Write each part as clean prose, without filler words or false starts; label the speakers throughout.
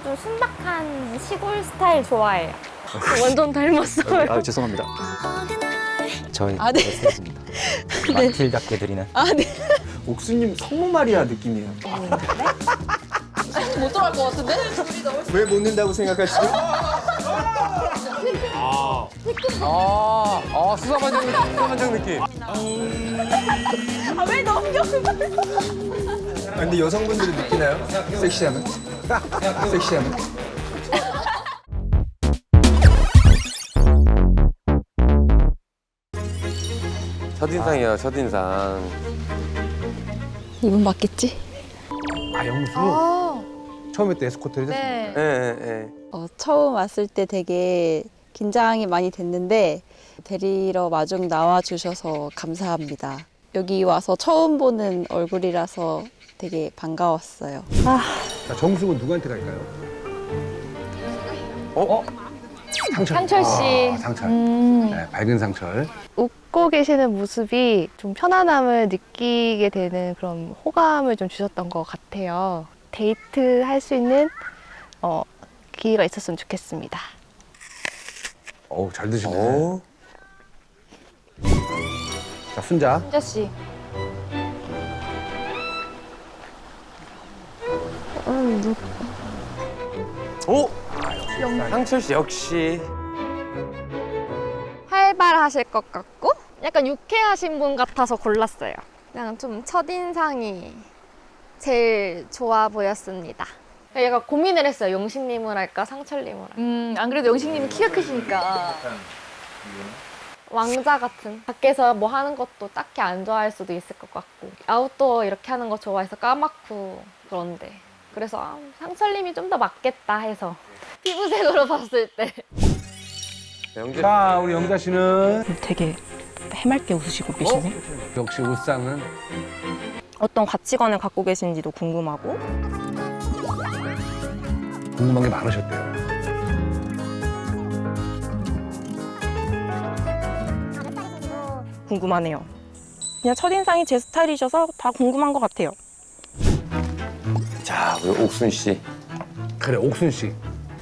Speaker 1: 좀 순박한 시골 스타일 좋아해요.
Speaker 2: 완전 닮았어요.
Speaker 3: 아, 죄송합니다. 저희
Speaker 4: 아, 네.
Speaker 3: 메시지입니다. 마틸답게 드리는.
Speaker 4: 아, 네.
Speaker 5: 옥수님 성모 마리아 느낌이에요.
Speaker 4: 못 들어갈 것 같은데?
Speaker 5: 왜 못 는다고 생각하시죠?
Speaker 6: 수사반장 느낌.
Speaker 4: 왜 넘겨?
Speaker 5: 근데 여성분들이 느끼나요? 섹시하면? 섹시하면?
Speaker 6: 첫인상이야, 첫인상.
Speaker 4: 이분 맞겠지?
Speaker 5: 아, 영수? 처음에 때 에스코트를 했었어요.
Speaker 2: 네.
Speaker 6: 예, 예, 예.
Speaker 7: 처음 왔을 때 되게 긴장이 많이 됐는데 데리러 마중 나와주셔서 감사합니다. 여기 와서 처음 보는 얼굴이라서 되게 반가웠어요.
Speaker 5: 자, 정숙은 누구한테 갈까요?
Speaker 2: 상철 씨.
Speaker 5: 아, 상철.
Speaker 2: 음.
Speaker 5: 네, 밝은 상철.
Speaker 2: 웃고 계시는 모습이 좀 편안함을 느끼게 되는 그런 호감을 좀 주셨던 것 같아요. 데이트 할 수 있는 기회가 있었으면 좋겠습니다.
Speaker 5: 어우, 잘 드시네.
Speaker 6: 오.
Speaker 5: 자, 순자.
Speaker 2: 순자 씨.
Speaker 6: 오! 상철 씨 역시.
Speaker 8: 활발하실 것 같고 약간 유쾌하신 분 같아서 골랐어요. 그냥 좀 첫인상이 제일 좋아 보였습니다.
Speaker 2: 얘가 고민을 했어요. 용식님을 할까 상철님을 할까.
Speaker 4: 안 그래도 영식님이 키가 크시니까.
Speaker 2: 왕자 같은. 밖에서 뭐 하는 것도 딱히 안 좋아할 수도 있을 것 같고 아웃도어 이렇게 하는 거 좋아해서 까맣고 그런데 그래서 상철님이 좀 더 맞겠다 해서 피부색으로 봤을 때
Speaker 6: 영재.
Speaker 5: 자, 우리 영자 씨는
Speaker 9: 되게 해맑게 웃으시고 계시네.
Speaker 5: 역시 옷상은
Speaker 9: 어떤 가치관을 갖고 계신지도 궁금하고.
Speaker 5: 궁금한 게 많으셨대요.
Speaker 9: 궁금하네요. 그냥 첫인상이 제 스타일이셔서 다 궁금한 것 같아요.
Speaker 6: 자, 우리 옥순 씨.
Speaker 5: 그래, 옥순 씨.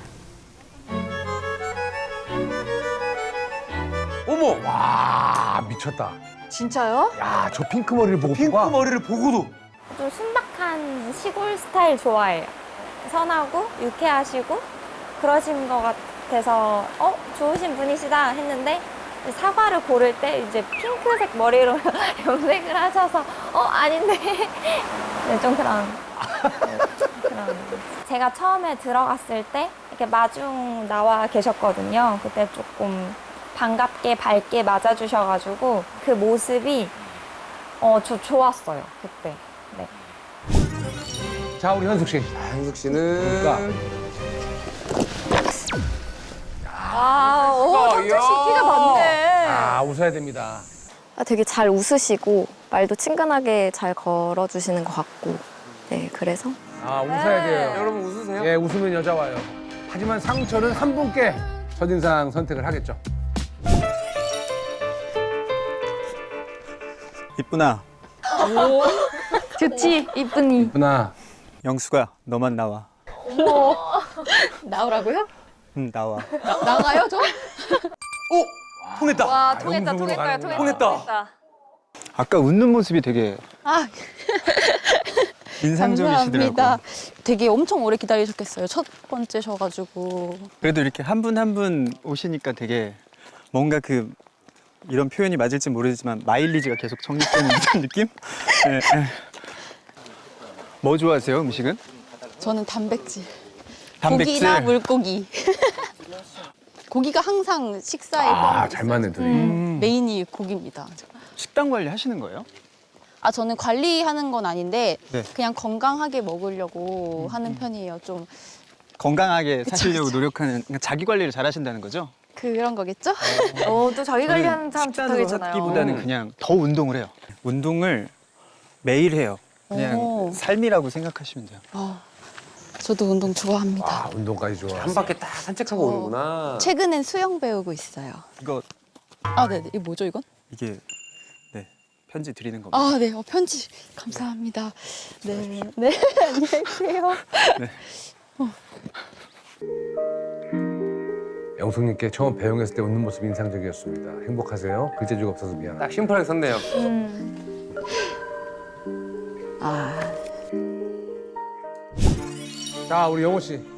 Speaker 6: 어머!
Speaker 5: 와, 미쳤다.
Speaker 4: 진짜요?
Speaker 5: 야, 저 핑크 머리를 보고
Speaker 6: 핑크
Speaker 5: 봐.
Speaker 6: 머리를 보고도.
Speaker 1: 좀 순박한 시골 스타일 좋아해요. 선하고 유쾌하시고 그러신 것 같아서 좋으신 분이시다 했는데 사과를 고를 때 이제 핑크색 머리로 염색을 하셔서 아닌데 네, 좀 그런 제가 처음에 들어갔을 때 이렇게 마중 나와 계셨거든요. 그때 조금 반갑게 밝게 맞아주셔가지고 그 모습이 저 좋았어요 그때. 네.
Speaker 5: 자, 우리 현숙 씨.
Speaker 6: 한숙 씨는.
Speaker 5: 그러니까.
Speaker 4: 상철 씨 키가 많네.
Speaker 5: 아, 웃어야 됩니다.
Speaker 8: 되게 잘 웃으시고 말도 친근하게 잘 걸어주시는 것 같고 네 그래서
Speaker 5: 아, 웃어야 돼요.
Speaker 6: 여러분 웃으세요?
Speaker 5: 예, 웃으면 여자 와요. 하지만 상철은 한 분께 첫인상 선택을 하겠죠.
Speaker 3: 이쁘나,
Speaker 2: 좋지 이쁜이.
Speaker 5: 누나.
Speaker 3: 영수가 너만 나와.
Speaker 4: 나오라고요?
Speaker 3: 나와.
Speaker 4: 나가요, 저?
Speaker 6: 통했다.
Speaker 4: 와, 통했다,
Speaker 5: 영숙으로
Speaker 4: 통했어요,
Speaker 5: 가는구나.
Speaker 6: 통했다.
Speaker 3: 아까 웃는 모습이 되게
Speaker 7: 아,
Speaker 3: 인상적이시더라고요.
Speaker 7: 감사합니다. 되게 엄청 오래 기다리셨겠어요. 첫 번째셔가지고.
Speaker 3: 그래도 이렇게 한 분 한 분 오시니까 되게 뭔가 이런 표현이 맞을지 모르지만 마일리지가 계속 적립되는 듯한 느낌? 네, 네. 뭐 좋아하세요, 음식은?
Speaker 7: 저는 단백질.
Speaker 3: 단백질?
Speaker 7: 고기나 물고기. 고기가 항상 식사에
Speaker 5: 아,
Speaker 7: 포함되어
Speaker 5: 잘
Speaker 7: 있어요.
Speaker 5: 맞는 둘이.
Speaker 7: 메인이 고기입니다.
Speaker 3: 식단 관리 하시는 거예요?
Speaker 7: 저는 관리하는 건 아닌데
Speaker 3: 네.
Speaker 7: 그냥 건강하게 먹으려고 하는 편이에요. 좀
Speaker 3: 건강하게 사시려고 노력하는, 그러니까 자기 관리를 잘 하신다는 거죠?
Speaker 7: 그런 거겠죠?
Speaker 4: 또 자기 관리하는 사람 좋다고
Speaker 3: 식단으로
Speaker 4: 했잖아요.
Speaker 3: 하기보다는 그냥 더 운동을 해요. 운동을 매일 해요. 그냥
Speaker 7: 오.
Speaker 3: 삶이라고 생각하시면 돼요.
Speaker 7: 저도 운동 좋아합니다.
Speaker 5: 아, 운동까지 좋아.
Speaker 6: 한 바퀴 딱 산책하고 오는구나.
Speaker 7: 최근엔 수영 배우고 있어요.
Speaker 3: 이거
Speaker 7: 네네. 이거 뭐죠, 이건?
Speaker 3: 이게 네 편지 드리는 겁니다.
Speaker 7: 네. 편지 감사합니다. 네. 네. 안녕히 계세요.
Speaker 3: 네.
Speaker 5: 영숙님께 처음 배웅했을 때 웃는 모습이 인상적이었습니다. 행복하세요? 글재주가 없어서 미안.
Speaker 6: 딱 심플하게 썼네요.
Speaker 7: 아,
Speaker 5: 자, 우리 영호 씨.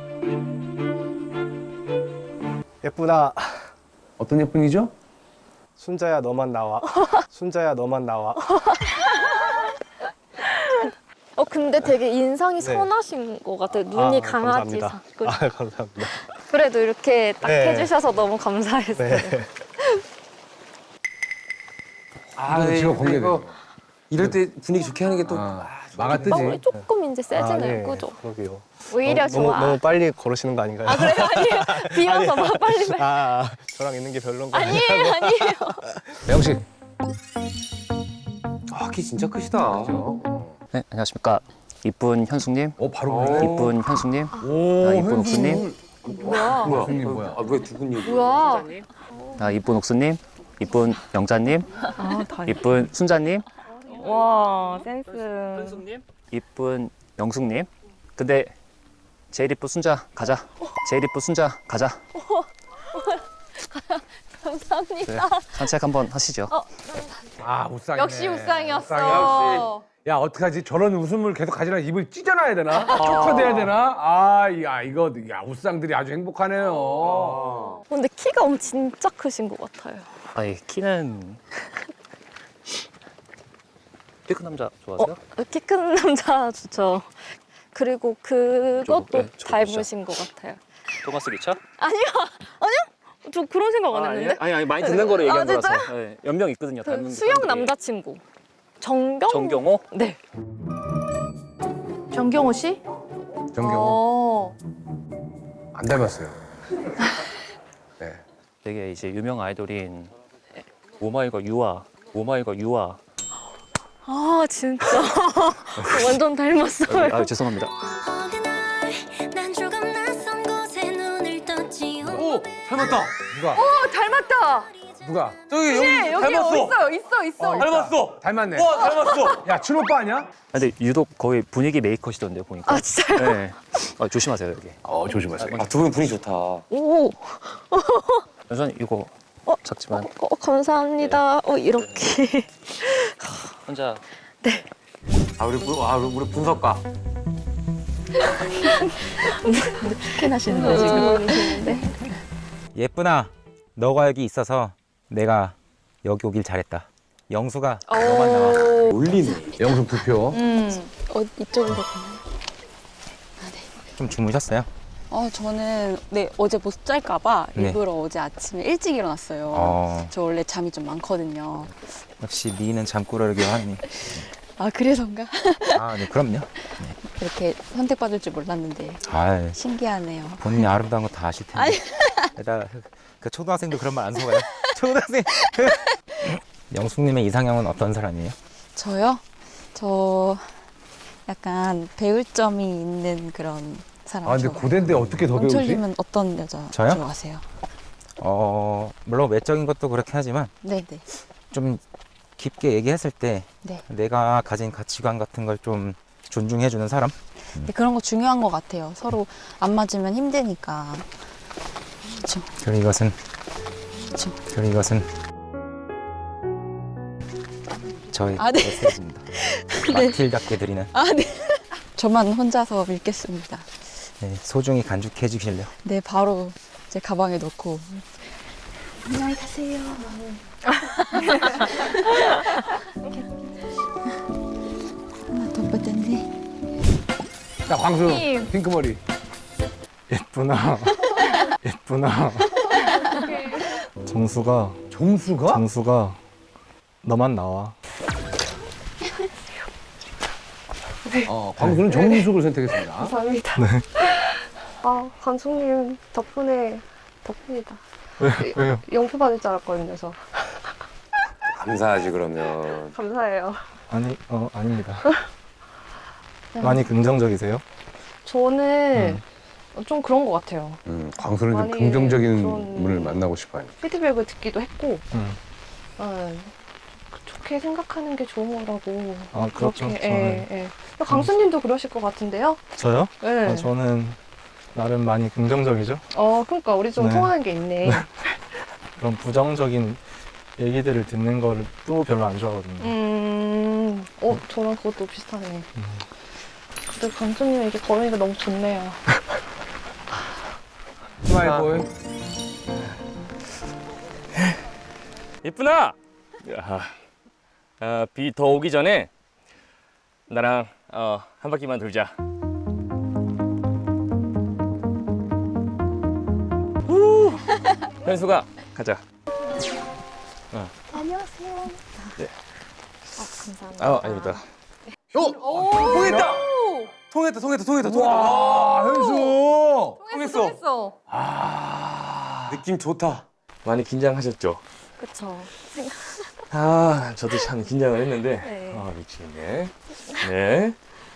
Speaker 10: 예쁘다.
Speaker 5: 어떤 예쁜이죠?
Speaker 10: 순자야 너만 나와. 순자야 너만 나와.
Speaker 8: 근데 되게 인상이
Speaker 10: 네.
Speaker 8: 선하신 것 같아요. 눈이 강아지
Speaker 10: 감사합니다.
Speaker 8: 상. 그죠?
Speaker 10: 아, 감사합니다.
Speaker 8: 그래도 이렇게 딱
Speaker 10: 네.
Speaker 8: 해주셔서 너무 감사했어요.
Speaker 10: 네.
Speaker 5: 이거 지금
Speaker 6: 이거
Speaker 5: 공개돼요.
Speaker 6: 이럴 때 분위기 좋게 하는 게 또
Speaker 5: 마가 뜨지.
Speaker 8: 뻥이 조금 이제 세지네요.
Speaker 10: 네.
Speaker 8: 그죠?
Speaker 10: 그러게요.
Speaker 8: 오히려
Speaker 10: 너무,
Speaker 8: 좋아.
Speaker 10: 너무 빨리 걸으시는 거 아닌가요?
Speaker 8: 아, 그래요? 아니에요. 비어서 막 빨리.
Speaker 10: 저랑 있는 게 별론가?
Speaker 8: 아니에요, 아니에요.
Speaker 5: 영호 씨.
Speaker 6: 키 진짜 크시다.
Speaker 11: 네, 안녕하십니까. 이쁜 현숙님,
Speaker 5: 바로 보네.
Speaker 11: 이쁜 현숙님,
Speaker 5: 오,
Speaker 11: 이쁜 옥수님,
Speaker 8: 뭐야?
Speaker 5: 현숙님 뭐야?
Speaker 6: 왜 두분 얘기?
Speaker 8: 뭐야?
Speaker 11: 이쁜 옥수님, 이쁜 영자님, 이쁜 순자님,
Speaker 9: 와, 센스.
Speaker 11: 이쁜 영숙님. 근데 제일 이쁜 순자 가자. 제일 이쁜 순자 가자.
Speaker 8: 감사합니다.
Speaker 11: 산책 한번 하시죠.
Speaker 5: 아, 우상이네.
Speaker 8: 역시 우상이었어.
Speaker 5: 우상이야. 야, 어떡하지? 저런 웃음을 계속 가지려면 입을 찢어놔야 되나? 촉화돼야 되나? 이거 우상들이 아주 행복하네요.
Speaker 8: 근데 키가 진짜 크신 것 같아요.
Speaker 11: 아니 키는 키 큰 남자 좋아하세요?
Speaker 8: 키 큰 남자 좋죠. 그리고 그것도
Speaker 11: 네, 저거
Speaker 8: 닮으신 것 같아요.
Speaker 11: 토마스 기차?
Speaker 8: 아니요. 저 그런 생각 안 했는데.
Speaker 11: 아니 많이 듣는 거를 얘기한
Speaker 8: 진짜요?
Speaker 11: 거라서. 네, 연명 있거든요.
Speaker 8: 그
Speaker 11: 닮은
Speaker 8: 수영
Speaker 11: 사람들이.
Speaker 8: 남자친구. 정경?
Speaker 11: 정경호?
Speaker 8: 네.
Speaker 4: 정경호 씨?
Speaker 5: 정경호. 안 닮았어요. 네.
Speaker 11: 되게 이제 유명 아이돌인 오마이걸 유아.
Speaker 8: 아 진짜. 완전 닮았어요.
Speaker 11: 죄송합니다.
Speaker 6: 오 닮았다.
Speaker 5: 누가?
Speaker 4: 닮았다.
Speaker 5: 누가?
Speaker 6: 저기 여기
Speaker 4: 여기
Speaker 6: 닮았어.
Speaker 4: 있어.
Speaker 6: 닮았어.
Speaker 5: 닮았네.
Speaker 6: 와 닮았어.
Speaker 5: 야, 춘오빠 아니야?
Speaker 11: 근데 유독 거의 분위기 메이커시던데요 보니까.
Speaker 8: 아 진짜요?
Speaker 11: 네. 조심하세요 여기.
Speaker 5: 조심하세요.
Speaker 6: 두 분 분위기 좋다.
Speaker 8: 오.
Speaker 11: 우선 이거 작지만
Speaker 8: 감사합니다. 이렇게.
Speaker 11: 혼자
Speaker 6: 우리 분석가.
Speaker 8: 스캔하시는 거 지금.
Speaker 12: 예쁘나, 너가 여기 있어서 내가 여기 오길 잘했다. 영수가 너만 나와.
Speaker 6: 올리네.
Speaker 5: 영숙 두 표.
Speaker 7: 이쪽으로.
Speaker 12: 좀 주무셨어요?
Speaker 7: 저는 어제 못 잘까봐
Speaker 12: 네.
Speaker 7: 일부러 어제 아침에 일찍 일어났어요. 저 원래 잠이 좀 많거든요.
Speaker 12: 역시 미인은 잠꾸러기 하니.
Speaker 7: 아, 그래서인가?
Speaker 12: 네, 그럼요.
Speaker 7: 이렇게 선택받을 줄 몰랐는데
Speaker 12: 아,
Speaker 7: 신기하네요.
Speaker 12: 본인이 아름다운 거 다 아실 텐데. 게다가 그 초등학생도 그런 말 안 속아요. 초등학생. 영숙님의 이상형은 어떤 사람이에요?
Speaker 7: 저요? 저 약간 배울 점이 있는 그런 사람
Speaker 5: 근데
Speaker 7: 좋아해요.
Speaker 5: 고대인데 어떻게 더 배우지?
Speaker 7: 영철님은 어떤 여자
Speaker 12: 저요?
Speaker 7: 좋아하세요?
Speaker 12: 물론 외적인 것도 그렇긴 하지만
Speaker 7: 네네.
Speaker 12: 좀 깊게 얘기했을 때
Speaker 7: 네.
Speaker 12: 내가 가진 가치관 같은 걸 좀 존중해주는 사람?
Speaker 7: 네, 그런 거 중요한 것 같아요. 서로 안 맞으면 힘드니까. 그렇죠.
Speaker 12: 그리고 이것은 저의
Speaker 7: 네.
Speaker 12: 메시지입니다.
Speaker 7: 네.
Speaker 12: 마틸답게 드리는
Speaker 7: 네. 저만 혼자서 믿겠습니다.
Speaker 12: 네, 소중히 간직해 주실래요?
Speaker 7: 네, 바로 제 가방에 넣고. 안녕히 가세요. 하나 더 뻗었네.
Speaker 5: 자, 광수. 핑크머리.
Speaker 10: 예쁘나. 정수가
Speaker 5: 정수가?
Speaker 10: 너만 나와.
Speaker 5: 광수는 정숙을 선택했습니다.
Speaker 8: 감사합니다. 감독님 덕분이다.
Speaker 10: 왜요?
Speaker 8: 영표 받을 줄 알았거든요, 저.
Speaker 6: 감사하지 그러면.
Speaker 8: 감사해요.
Speaker 10: 아닙니다. 많이 긍정적이세요?
Speaker 8: 저는 좀 그런 것 같아요.
Speaker 5: 광수는 좀
Speaker 8: 많이
Speaker 5: 긍정적인
Speaker 8: 그런-
Speaker 5: 분을 만나고 싶어요.
Speaker 8: 피드백을 듣기도 했고,
Speaker 10: 음.
Speaker 8: 좋게 생각하는 게 좋은 거라고.
Speaker 10: 그렇죠.
Speaker 8: 그렇게, 예. 강수님도 그러실 것 같은데요?
Speaker 10: 저요?
Speaker 8: 네.
Speaker 10: 저는 나름 많이 긍정적이죠.
Speaker 2: 그러니까 우리 좀
Speaker 10: 네.
Speaker 2: 통하는 게 있네.
Speaker 10: 그런 부정적인 얘기들을 듣는 거를 또 별로 안 좋아하거든요.
Speaker 2: 저랑 그것도 비슷하네. 근데 강수님 이렇게 걸으니까 너무 좋네요.
Speaker 5: 스마일 보이.
Speaker 11: 예쁘나? 비 더 오기 전에 나랑 한 바퀴만 돌자. 현수가 가자.
Speaker 8: 안녕하세요.
Speaker 11: 네.
Speaker 8: 감사합니다.
Speaker 11: 아닙니다.
Speaker 6: 통했다.
Speaker 5: 와, 현수.
Speaker 4: 통했어.
Speaker 6: 느낌 좋다.
Speaker 11: 많이 긴장하셨죠?
Speaker 8: 그쵸.
Speaker 11: 저도 참 긴장을 했는데
Speaker 8: 네.
Speaker 11: 미치겠네. 네.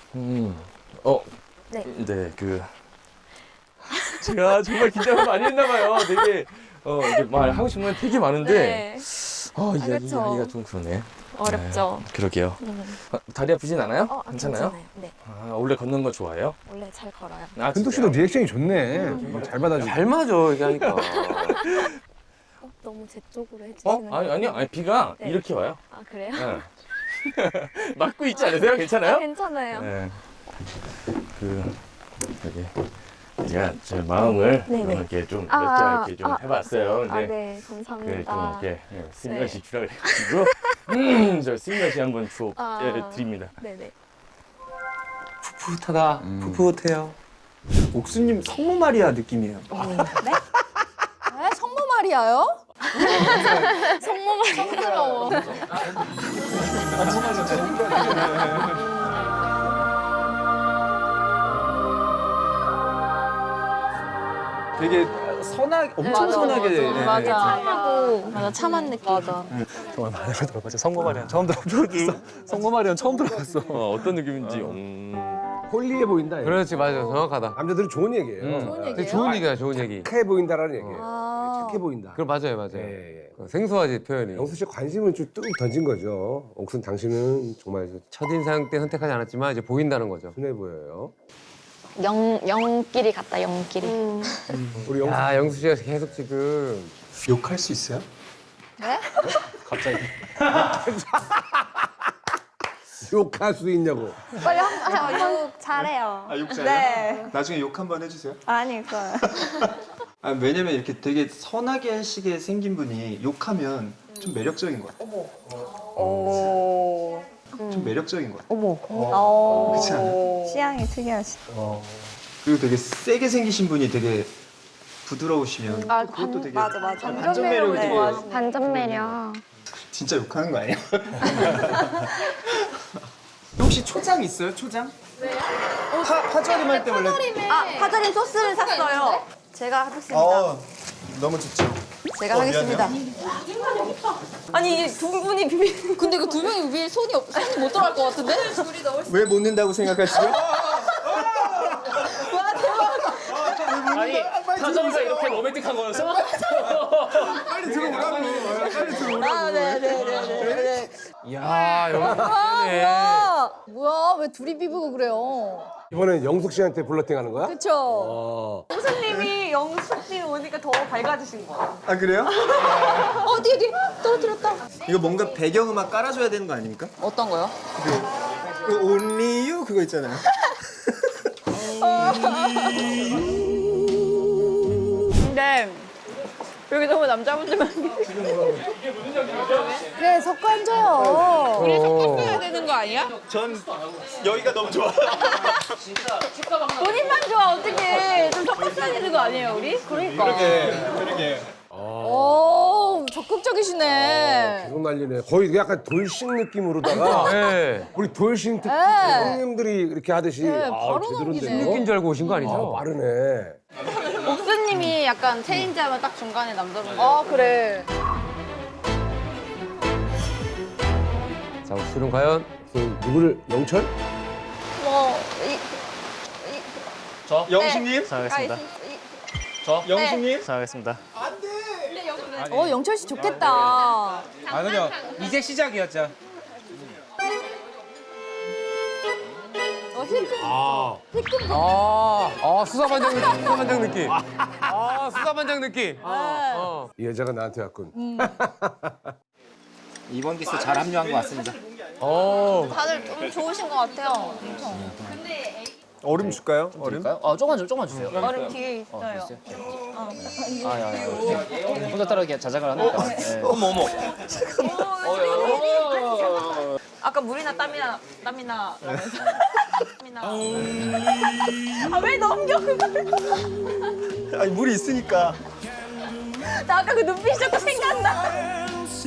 Speaker 8: 네.
Speaker 11: 제가 정말 긴장을 많이 했나 봐요. 되게 이제 말하고 싶은 건 되게 많은데
Speaker 8: 네. 그쵸.
Speaker 11: 이야기가 좀 그러네.
Speaker 8: 어렵죠.
Speaker 11: 네, 그러게요. 다리 아프진 않아요?
Speaker 8: 괜찮아요? 네.
Speaker 11: 원래 걷는 거 좋아해요?
Speaker 8: 원래 잘 걸어요.
Speaker 5: 현숙 씨도 리액션이 좋네. 잘 받아주고.
Speaker 6: 잘 맞아 이게 하니까.
Speaker 8: 너무 제 쪽으로 해주시는
Speaker 11: 아니 비가
Speaker 8: 네.
Speaker 11: 이렇게 와요.
Speaker 8: 그래요?
Speaker 11: 네. 막고 있지 않으세요? 괜찮아요?
Speaker 8: 괜찮아요.
Speaker 11: 네. 여기 제가 제 마음을
Speaker 8: 네네.
Speaker 11: 이렇게 좀 몇 자 이렇게 좀 해봤어요. 근데
Speaker 8: 네,
Speaker 11: 좀
Speaker 8: 감사합니다.
Speaker 11: 이렇게 슬며시 주라 그래가지고 저 슬며시 한번 주워 드립니다.
Speaker 8: 네네.
Speaker 6: 풋풋하다. 풋풋해요.
Speaker 3: 옥수님 성모 마리아 느낌이에요.
Speaker 4: 네? 성모 마리아요?
Speaker 8: 성모 마리아.
Speaker 4: 성스러워.
Speaker 3: 되게 선하게, 엄청 선하게. 네.
Speaker 7: 맞아, 참한 느낌. 맞아.
Speaker 10: 정말 많이 들어봤죠. 성모 마리아 처음 들어봤어. 성모 마리아 처음 들어봤어.
Speaker 11: 어떤 느낌인지.
Speaker 5: 홀리해 보인다. 이거.
Speaker 6: 그렇지 맞아 정확하다.
Speaker 5: 남자들은 좋은 얘기예요.
Speaker 4: 좋은 얘기예요?
Speaker 6: 되게 좋은 얘기야 좋은 얘기.
Speaker 5: 착해 보인다라는 얘기예요.
Speaker 4: 아.
Speaker 5: 착해 보인다.
Speaker 6: 그럼 맞아요.
Speaker 5: 예.
Speaker 6: 생소하지 표현이.
Speaker 5: 영수 씨 관심을 좀 뚝 던진 거죠. 옥순 당신은 정말
Speaker 6: 첫인상 때 선택하지 않았지만 이제 보인다는 거죠.
Speaker 5: 순해 보여요.
Speaker 8: 영끼리 같다, 영끼리.
Speaker 5: 우리 영수
Speaker 6: 야 영수 씨가 계속 지금
Speaker 3: 욕할 수 있어요?
Speaker 10: 갑자기.
Speaker 5: 욕할 수 있냐고.
Speaker 1: 빨리 한번 잘해요.
Speaker 3: 욕 잘해요?
Speaker 1: 네.
Speaker 3: 나중에 욕 한번 해주세요.
Speaker 1: 아니, 그거.
Speaker 3: 왜냐면 이렇게 되게 선하게 하시게 생긴 분이 욕하면 좀 매력적인 것 같아요.
Speaker 1: 오.
Speaker 3: 좀 매력적인 것 같아요.
Speaker 1: 오.
Speaker 3: 그렇지 않아요?
Speaker 1: 취향이 특이하시다.
Speaker 3: 그리고 되게 세게 생기신 분이 되게 부드러우시면 그것도 되게
Speaker 1: 맞아.
Speaker 3: 반전 매력이 되게
Speaker 8: 반전 매력.
Speaker 3: 진짜 욕하는 거 아니에요? 혹시 초장 있어요? 초장? 왜요? 파절임 할 때 원래
Speaker 4: 파절임 소스를 샀어요. 제가 하겠습니다.
Speaker 3: 너무 좋죠.
Speaker 4: 제가 하겠습니다. 아니, 두 분이 비비. 근데 그 두 명이 비빌 손이 못 들어갈 것 같은데?
Speaker 3: 왜 못 넣는다고 생각하시죠?
Speaker 11: 아니 사전가 이렇게 로맨틱한 거였어?
Speaker 3: 빨리 들어오라고. 빨리 들어오라고.
Speaker 4: 네네네네.
Speaker 6: 야 영수
Speaker 4: 뭐야? 왜 둘이 비비고 그래요?
Speaker 5: 이번엔 영숙 씨한테 블러팅 하는 거야?
Speaker 4: 그쵸?
Speaker 9: 교수님이 영숙님 오니까 더 밝아지신 거예요.
Speaker 3: 아 그래요?
Speaker 4: 뒤에 떨어뜨렸다.
Speaker 3: 이거 뭔가 배경음악 깔아줘야 되는 거 아닙니까?
Speaker 4: 어떤 거요?
Speaker 3: 그 Only You 그거 있잖아요.
Speaker 9: 근데 여기 너무 남자분들만
Speaker 4: 그래, 섞어 앉아요.
Speaker 9: 해야 되는 거 아니야?
Speaker 3: 전 여기가 너무 좋아.
Speaker 9: 본인만 좋아 어떻게 좀 섞어줘야 되는 거 아니에요 우리? 그러니까.
Speaker 3: 그러게.
Speaker 4: 오, 적극적이시네.
Speaker 5: 계속 난리네. 거의 약간 돌싱 느낌으로다가
Speaker 6: 네.
Speaker 5: 우리 돌싱 특히
Speaker 4: 네.
Speaker 5: 형님들이 이렇게 하듯이
Speaker 4: 바로
Speaker 5: 제대로인데요.
Speaker 4: 넘기네.
Speaker 6: 느낀 줄 알고 오신 거 아니죠?
Speaker 5: 빠르네.
Speaker 9: 옥수님이 약간 체인지하면 딱 중간에 남자분들.
Speaker 4: 그래.
Speaker 6: 자 옥수는 과연
Speaker 5: 그 누구를 영철?
Speaker 3: 영식님?
Speaker 11: 잘하겠습니다.
Speaker 3: 영식님?
Speaker 11: 잘하겠습니다.
Speaker 4: 영철 씨 좋겠다.
Speaker 12: 아 그냥 이제 시작이었죠.
Speaker 6: 수사반장 느낌. 수사반장 느낌. 수사반장 느낌.
Speaker 5: 이 여자가 나한테 왔군.
Speaker 12: 이번 기수 잘 합류한 것 같습니다.
Speaker 4: 다들 좀 좋으신 것 같아요.
Speaker 3: 얼음 줄까요? 얼음?
Speaker 11: 조금만 주세요.
Speaker 4: 얼음 뒤에 있어요.
Speaker 11: 혼자 따라 자작을 하니까. 어머.
Speaker 4: 아까 물이나 땀이나 왜 넘겨 그걸?
Speaker 3: 아니 물이 있으니까.
Speaker 4: 나 아까 그 눈빛이 자꾸 생각나.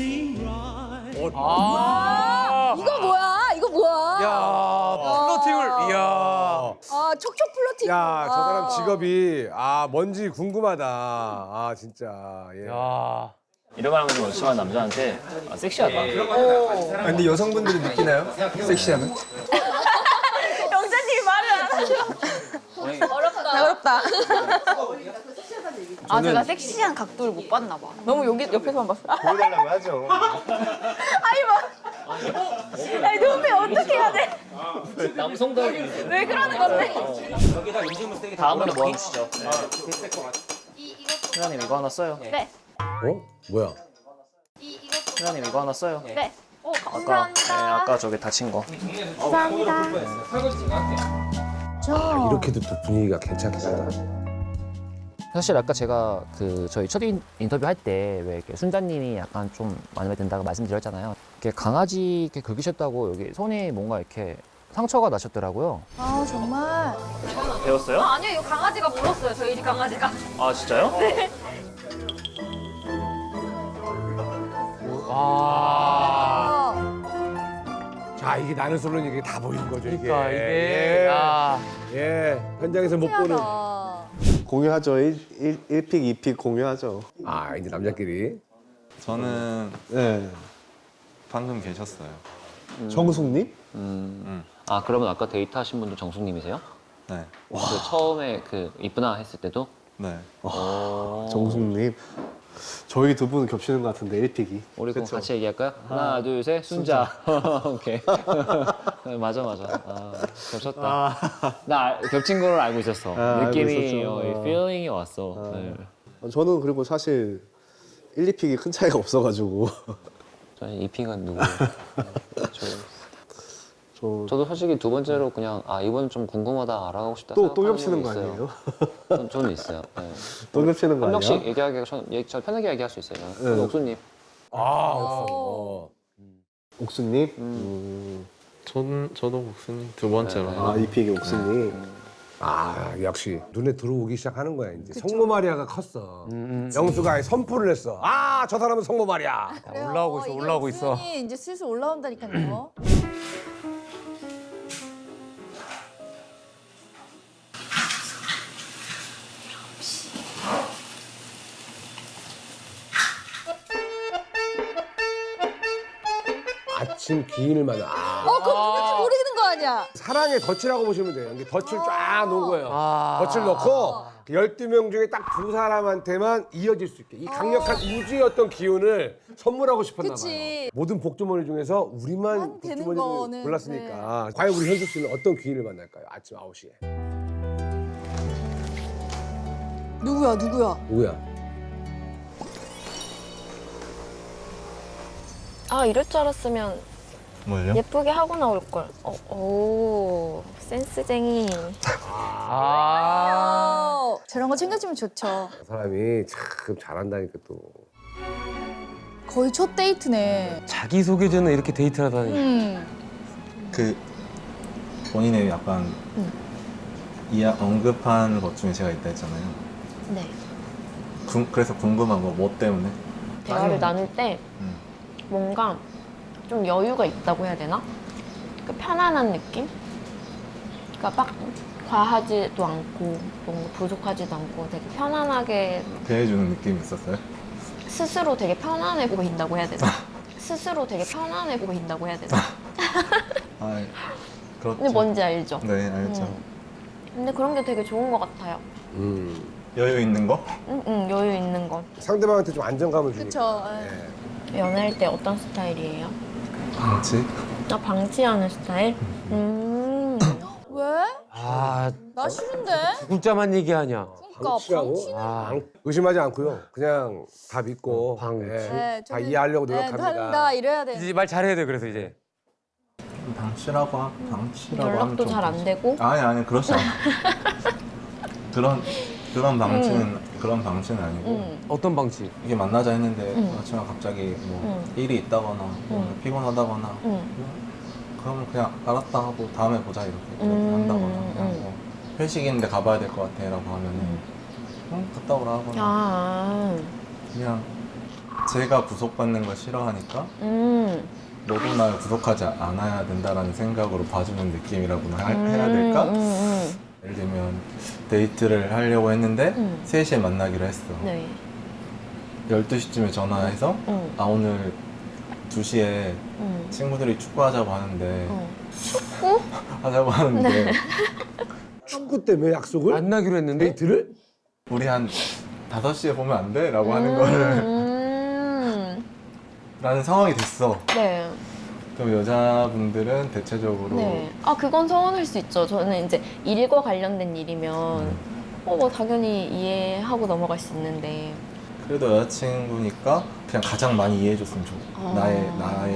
Speaker 4: 이거 뭐야?
Speaker 6: 야, 플러팅을. 이야.
Speaker 4: 아 촉촉 플러팅.
Speaker 5: 야, 저 사람 직업이 뭔지 궁금하다. 진짜. 예.
Speaker 6: 야.
Speaker 11: 이런 말 하면 심한 남자한테 섹시하다.
Speaker 3: 근데 여성분들이 느끼나요? 섹시하면?
Speaker 4: 영자님이 말을 안 하셔. 어렵다. 제가 섹시한 각도를 못 봤나 봐. 너무 여기 옆에서만 봤어.
Speaker 3: 보여달라고 하죠.
Speaker 4: 아니 눈빛 어떻게 해야 돼?
Speaker 11: 남성다운.
Speaker 4: 왜 그러는 건데?
Speaker 11: 다음으로 뭐 하시죠? 회장님 이거 하나 써요.
Speaker 4: 네.
Speaker 5: 뭐야?
Speaker 11: 회장님 이거 하나 써요.
Speaker 4: 네.
Speaker 11: 감사합니다. 아까 저기 다친 거.
Speaker 4: 감사합니다.
Speaker 5: 이렇게도 또 분위기가 괜찮긴 하다.
Speaker 11: 사실 아까 제가 저희 첫 인터뷰 할 때 왜 이렇게 순자님이 약간 좀 마음에 든다고 말씀드렸잖아요. 이렇게 강아지 이렇게 긁으셨다고 여기 손에 뭔가 이렇게 상처가 나셨더라고요.
Speaker 4: 아 정말.
Speaker 11: 배웠어요?
Speaker 4: 아니요, 이거 강아지가 물었어요. 저희 집 강아지가.
Speaker 11: 아 진짜요?
Speaker 4: 네.
Speaker 5: 자, 이게 나는 솔로는 이게 다 보이는 거죠, 이게.
Speaker 6: 그러니까 이게. 야.
Speaker 5: 예. 현장에서 못 보는.
Speaker 10: 공유하죠. 1픽, 2픽 공유하죠.
Speaker 5: 이제 남자끼리.
Speaker 13: 저는
Speaker 10: 네.
Speaker 13: 방금 계셨어요.
Speaker 10: 정숙님?
Speaker 11: 그러면 아까 데이트하신 분도 정숙님이세요?
Speaker 13: 네.
Speaker 11: 처음에 이쁘나 했을 때도?
Speaker 13: 네.
Speaker 10: 정숙님. 저희 두 분 겹치는 것 같은데 1픽이.
Speaker 11: 우리 그럼 같이 얘기할까요? 하나, 둘, 셋, 순자. 오케이. 맞아. 겹쳤다. 나 겹친 걸 알고 있었어. 느낌이,
Speaker 10: 알고 있었죠.
Speaker 11: feeling이 왔어. 네.
Speaker 10: 저는 그리고 사실 1, 2픽이 큰 차이가 없어가지고.
Speaker 11: 저는 이 픽은 누구예요? 저도 솔직히 두 번째로 그냥 이번은 좀 궁금하다 알아가고 싶다.
Speaker 10: 또 겹치는 거 아니에요?
Speaker 11: 저는 있어요. 네.
Speaker 10: 또 겹치는 거
Speaker 11: 한
Speaker 10: 아니야?
Speaker 11: 명씩 얘기하기 저 편하게 얘기할 수 있어요. 옥수님.
Speaker 10: 옥수님?
Speaker 13: 저도 목수님 두 번째로.
Speaker 10: 2픽이 옥수님.
Speaker 5: 역시 눈에 들어오기 시작하는 거야, 이제. 성모 마리아가 컸어. 영수가 선포를 했어. 저 사람은 성모 마리아.
Speaker 6: 올라오고 있어.
Speaker 4: 이제 슬슬 올라온다니까요.
Speaker 5: 아침 귀인을 만나.
Speaker 4: 그럼 누군지 모르는 거 아니야?
Speaker 5: 사랑의 덫이라고 보시면 돼요. 이게 덫을 쫙 놓은 거예요. 덫을 넣고 12명 중에 딱 두 사람한테만 이어질 수 있게 이 강력한 우주의 어떤 기운을 선물하고 싶었나 봐요. 모든 복주머니 중에서 우리만 복주머니를
Speaker 4: 거는,
Speaker 5: 골랐으니까 과연 우리 현숙 씨는 어떤 귀인을 만날까요? 아침 9시에.
Speaker 4: 누구야?
Speaker 5: 누구야?
Speaker 2: 이럴 줄 알았으면
Speaker 13: 뭘요?
Speaker 2: 예쁘게 하고 나올 걸. 오, 센스쟁이.
Speaker 4: 저런 거 챙겨주면 좋죠.
Speaker 5: 그 사람이 참 잘한다니까 또.
Speaker 4: 거의 첫 데이트네.
Speaker 6: 자기 소개 전에 이렇게 데이트를 하다니.
Speaker 13: 그 본인의 약간 언급한 것 중에 제가 있다 했잖아요.
Speaker 2: 네.
Speaker 13: 그래서 궁금한 거 뭐 때문에?
Speaker 2: 대화를 나눌 때 뭔가 좀 여유가 있다고 해야 되나? 편안한 느낌? 그러니까 막 과하지도 않고 뭔가 부족하지도 않고 되게 편안하게
Speaker 13: 대해주는 느낌이 있었어요?
Speaker 2: 스스로 되게 편안해 보인다고 해야 되나?
Speaker 13: 그렇죠.
Speaker 2: 근데 뭔지 알죠?
Speaker 13: 네, 알죠.
Speaker 2: 근데 그런 게 되게 좋은 것 같아요.
Speaker 13: 여유 있는 거?
Speaker 2: 여유 있는 거.
Speaker 5: 상대방한테 좀 안정감을 주니까.
Speaker 4: 그쵸.
Speaker 2: 연애할 때 어떤 스타일이에요?
Speaker 13: 방치?
Speaker 2: 방치하는 스타일?
Speaker 4: 왜?
Speaker 6: 아,
Speaker 4: 나 싫은데?
Speaker 6: 글자만 얘기하냐.
Speaker 4: 그러니까
Speaker 5: 방치하고 의심하지 않고요. 그냥 다 믿고 다 이해하려고 노력합니다.
Speaker 4: 한다 이래야 돼.
Speaker 6: 이제 말 잘해야 돼. 그래서 이제
Speaker 13: 방치라고
Speaker 2: 연락도
Speaker 13: 하면 좀
Speaker 2: 잘 안
Speaker 13: 그렇지.
Speaker 2: 되고?
Speaker 13: 아니 그렇지 않아. 그런 방치는 아니고
Speaker 6: 어떤 방치?
Speaker 13: 이게 만나자 했는데 여자친구가 갑자기 뭐 일이 있다거나 피곤하다거나 그러면 그냥 알았다 하고 다음에 보자 이렇게 한다거나 그냥 뭐 회식 있는데 가봐야 될 것 같아 라고 하면은 갔다 오라 하거나 그냥 제가 구속받는 걸 싫어하니까 너도 날 구속하지 않아야 된다라는 생각으로 봐주는 느낌이라고나 해야 될까? 예를 들면 데이트를 하려고 했는데 3시에 만나기로 했어.
Speaker 2: 네.
Speaker 13: 12시쯤에 전화해서 아 오늘 2시에 친구들이 축구하자고 하는데
Speaker 2: 축구?
Speaker 13: 하자고 하는데
Speaker 5: 축구 때문에 약속을?
Speaker 6: 만나기로 했는데
Speaker 5: 데이트를?
Speaker 13: 우리 한 5시에 보면 안 돼? 라고 하는 거를 라는 상황이 됐어.
Speaker 2: 네.
Speaker 13: 그럼 여자분들은 대체적으로
Speaker 2: 네. 아, 그건 서운할 수 있죠. 저는 이제 일과 관련된 일이면 뭐 당연히 이해하고 넘어갈 수 있는데.
Speaker 13: 그래도 여자친구니까 그냥 가장 많이 이해해줬으면 좋겠고 나의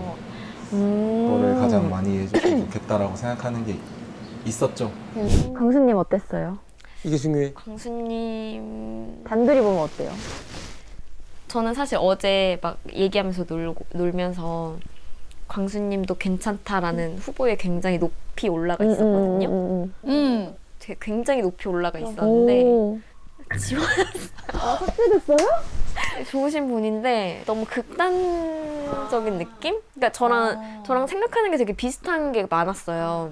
Speaker 13: 그런 거를 가장 많이 이해해줬으면 좋겠다라고 생각하는 게 있었죠.
Speaker 2: 광수님 어땠어요?
Speaker 6: 이게 중요해.
Speaker 2: 광수님 단둘이 보면 어때요? 저는 사실 어제 막 얘기하면서 놀면서 광수님도 괜찮다라는 후보에 굉장히 높이 올라가 있었거든요. 되게 굉장히 높이 올라가 있었는데 지원했어요.
Speaker 8: 아, 삭제됐어요?
Speaker 2: 좋으신 분인데 너무 극단적인 느낌? 그러니까 저랑 생각하는 게 되게 비슷한 게 많았어요.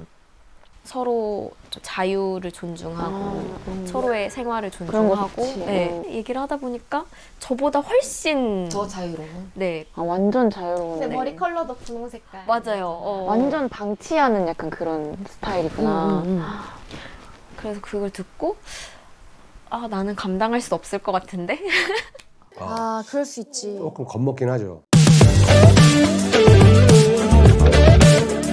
Speaker 2: 서로 좀 자유를 존중하고 서로의 생활을 존중하고 네, 얘기를 하다 보니까 저보다 훨씬
Speaker 8: 더 자유로운?
Speaker 2: 네.
Speaker 8: 아, 완전 자유로운.
Speaker 2: 네.
Speaker 8: 머리 컬러도 분홍 색깔.
Speaker 2: 맞아요.
Speaker 8: 완전 방치하는 약간 그런 스타일이구나.
Speaker 2: 그래서 그걸 듣고 아 나는 감당할 수 없을 것 같은데?
Speaker 4: 아, 그럴 수 있지.
Speaker 5: 조금 겁먹긴 하죠.